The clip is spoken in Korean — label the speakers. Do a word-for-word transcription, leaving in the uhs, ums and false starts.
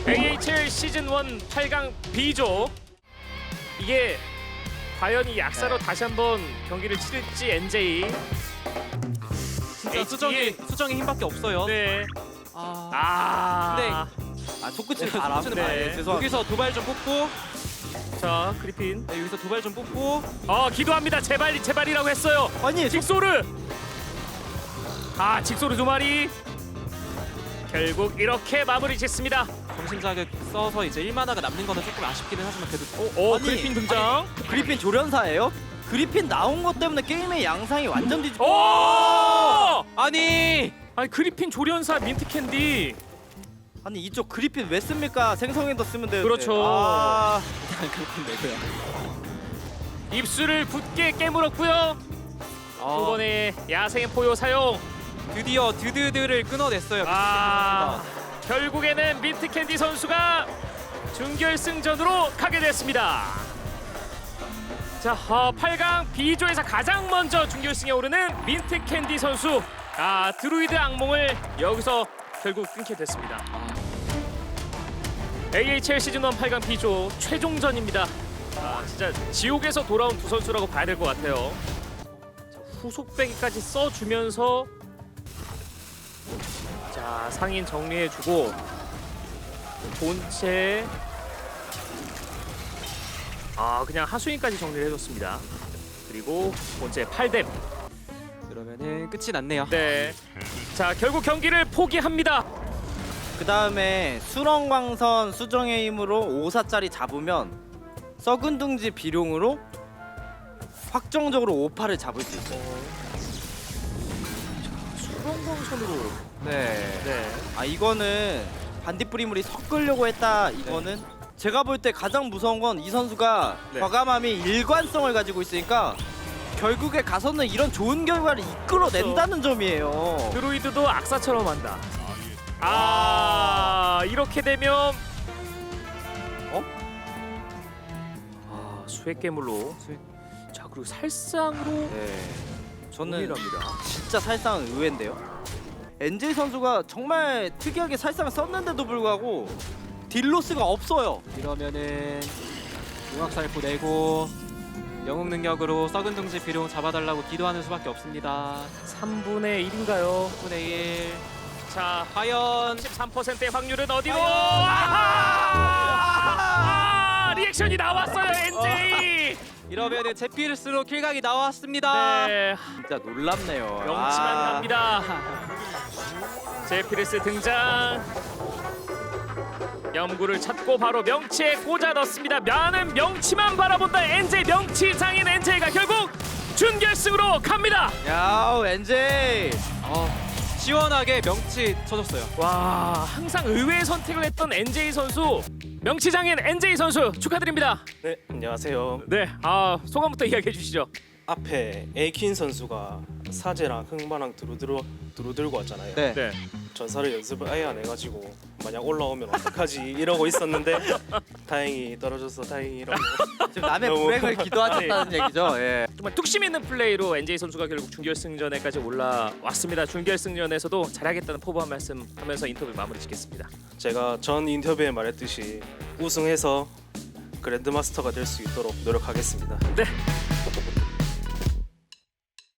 Speaker 1: 에이에이치엘 시즌 일 팔 강 B조. 이게 과연 이 약사로
Speaker 2: 네.
Speaker 1: 다시 한번 경기를 치를지 엔제이.
Speaker 3: 진짜 수정이 수정이 힘밖에 없어요.
Speaker 1: 네.
Speaker 3: 아,
Speaker 1: 아.
Speaker 2: 아 속끝을
Speaker 3: 네,
Speaker 2: 바람.
Speaker 3: 속끝을
Speaker 1: 네.
Speaker 2: 네, 죄송합니다.
Speaker 3: 여기서 도발 좀 뽑고,
Speaker 1: 자, 그리핀.
Speaker 3: 네, 여기서 도발 좀 뽑고.
Speaker 1: 어, 기도합니다. 제발 제발이라고 했어요.
Speaker 2: 아니
Speaker 1: 직소르. 아, 직소르 두 마리. 결국 이렇게 마무리 짓습니다.
Speaker 3: 정신 자극 써서 이제 일 마나가 남는 거는 조금 아쉽기는 하지만 그래도
Speaker 1: 오, 오
Speaker 2: 아니,
Speaker 1: 그리핀 등장.
Speaker 2: 그리핀 조련사예요? 그리핀 나온 것 때문에 게임의 양상이 완전 뒤집.
Speaker 1: 오!
Speaker 3: 아니
Speaker 1: 아니 그리핀 조련사 민트 캔디.
Speaker 2: 아니 이쪽 그리핀 왜 씁니까? 생성에도 쓰면 되는데.
Speaker 1: 그렇죠.
Speaker 2: 아,
Speaker 3: 그렇군 내고요.
Speaker 1: 입술을 굳게 깨물었고요. 두 번의 야생의 포효 사용.
Speaker 3: 드디어 드드드를 끊어냈어요.
Speaker 1: 아, 결국에는 민트 캔디 선수가 준결승전으로 가게 됐습니다. 자, 어, 팔 강 B조에서 가장 먼저 준결승에 오르는 민트 캔디 선수. 아, 드루이드 악몽을 여기서 결국 끊게 됐습니다. 에이에이치엘 시즌 일 팔 강 B조 최종전입니다. 아, 진짜 지옥에서 돌아온 두 선수라고 봐야 될 것 같아요. 자, 후속배기까지 써주면서 자, 상인 정리해주고 본체 아 그냥 하수인까지 정리를 해줬습니다. 그리고 본체 팔 뎀.
Speaker 3: 그러면은 끝이 났네요.
Speaker 1: 네. 자, 결국 경기를 포기합니다.
Speaker 2: 그 다음에 수렁광선 수정의 힘으로 오 사짜리 잡으면 썩은 둥지 비룡으로 확정적으로 오 파를 잡을 수 있어요.
Speaker 1: 수렁광선으로.
Speaker 2: 네.
Speaker 1: 네.
Speaker 2: 아 이거는 반딧불이물이 섞으려고 했다. 이거는 제가 볼 때 가장 무서운 건 이 선수가
Speaker 1: 네.
Speaker 2: 과감함이 일관성을 가지고 있으니까 결국에 가서는 이런 좋은 결과를 이끌어낸다는 점이에요.
Speaker 1: 드루이드도 악사처럼 한다. 아, 이렇게 되면 어? 아, 수액 괴물로. 자, 그리고 살상으로
Speaker 2: 네. 저는
Speaker 1: 동일합니다.
Speaker 2: 진짜 살상은 의외인데요. 엔제이 선수가 정말 특이하게 살상을 썼는데도 불구하고 딜로스가 없어요.
Speaker 3: 이러면은 융합살포 내고 영웅 능력으로 썩은 둥지 비룡 잡아달라고 기도하는 수밖에 없습니다.
Speaker 1: 삼분의 일인가요?
Speaker 3: 삼분의 일.
Speaker 1: 자,
Speaker 3: 과연
Speaker 1: 십삼 퍼센트의 확률은 어디로?
Speaker 2: 과연?
Speaker 1: 아하! 아, 리액션이 나왔어요, 엔제이.
Speaker 3: 이러면은 제피르스로 킬각이 나왔습니다.
Speaker 1: 네,
Speaker 2: 진짜 놀랍네요.
Speaker 1: 명치만
Speaker 2: 아.
Speaker 1: 갑니다. 제피르스 등장. 염구를 찾고 바로 명치에 꽂아 넣습니다. 많은 명치만 바라본다. 엔제이 명치 장인 엔제이가 결국 준결승으로 갑니다.
Speaker 2: 야우 엔제이.
Speaker 3: 어, 시원하게 명치 쳐줬어요.
Speaker 1: 와, 항상 의외의 선택을 했던 엔제이 선수, 명치 장인 엔제이 선수 축하드립니다.
Speaker 4: 네, 안녕하세요.
Speaker 1: 네, 아 소감부터 이야기해 주시죠.
Speaker 4: 앞에 에이킨 선수가 사제랑 흑마랑 두루두루 두루 들고 왔잖아요.
Speaker 2: 네.
Speaker 1: 네,
Speaker 4: 전사를 연습을 아예 안 해가지고 만약 올라오면 어떡하지 이러고 있었는데 다행히 떨어져서 다행이라고.
Speaker 2: 지금 남의
Speaker 4: 너무-
Speaker 2: 불행을 기도하셨다는 얘기죠. 예.
Speaker 1: 정말 뚝심 있는 플레이로 엔제이 선수가 결국 준결승전에까지 올라왔습니다. 준결승전에서도 잘하겠다는 포부 한 말씀 하면서 인터뷰 마무리 짓겠습니다.
Speaker 4: 제가 전 인터뷰에 말했듯이 우승해서 그랜드마스터가 될 수 있도록 노력하겠습니다.
Speaker 1: 네,